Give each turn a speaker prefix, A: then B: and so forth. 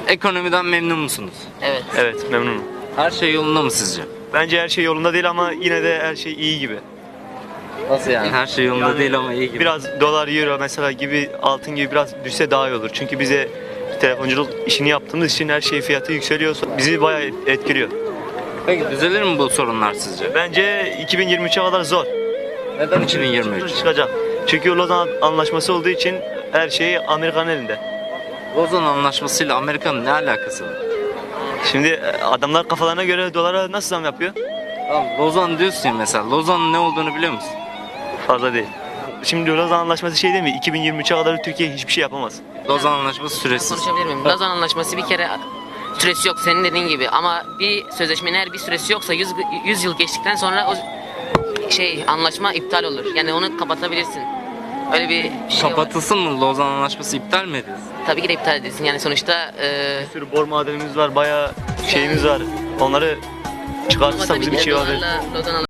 A: Ekonomiden memnun musunuz?
B: Evet.
C: Evet, memnunum.
A: Her şey yolunda mı sizce?
C: Bence her şey yolunda değil ama yine de her şey iyi gibi.
A: Nasıl yani? Her şey yolunda
C: Yani
A: değil ama iyi gibi.
C: Biraz dolar, euro mesela gibi, altın gibi biraz düşse daha iyi olur. Çünkü bize telefonculuk işini yaptığımız için her şey fiyatı yükseliyorsa bizi bayağı etkiliyor.
A: Peki düzelir mi bu sorunlar sizce?
C: Bence 2023'e kadar zor.
A: Neden 2023?
C: Çıkacak. Çünkü Lozan Anlaşması olduğu için her şey Amerika'nın elinde.
A: Lozan Anlaşması'yla Amerika'nın ne alakası var?
C: Şimdi adamlar kafalarına göre dolara nasıl zam yapıyor?
A: Tamam, Lozan diyorsun ya mesela. Lozan'ın ne olduğunu biliyor musun?
C: Fazla değil. Şimdi Lozan Anlaşması şey değil mi? 2023'e kadar Türkiye hiçbir şey yapamaz.
A: Lozan Anlaşması süresiz.
B: Konuşabilir miyim? Lozan Anlaşması bir kere süresi yok senin dediğin gibi ama bir sözleşmenin eğer bir süresi yoksa 100 yıl geçtikten sonra o anlaşma iptal olur. Yani onu kapatabilirsin. Öyle bir şey var.
A: Kapatılsın mı? Lozan Anlaşması iptal mi edilsin?
B: Tabii ki de iptal edilsin. Yani sonuçta
C: Bir sürü bor madenimiz var, bayağı şeyimiz var. Onları
B: ama
C: çıkartırsak
B: tabii
C: bizim
B: ki
C: bir
B: de
C: şey var.
B: dolarla Lozan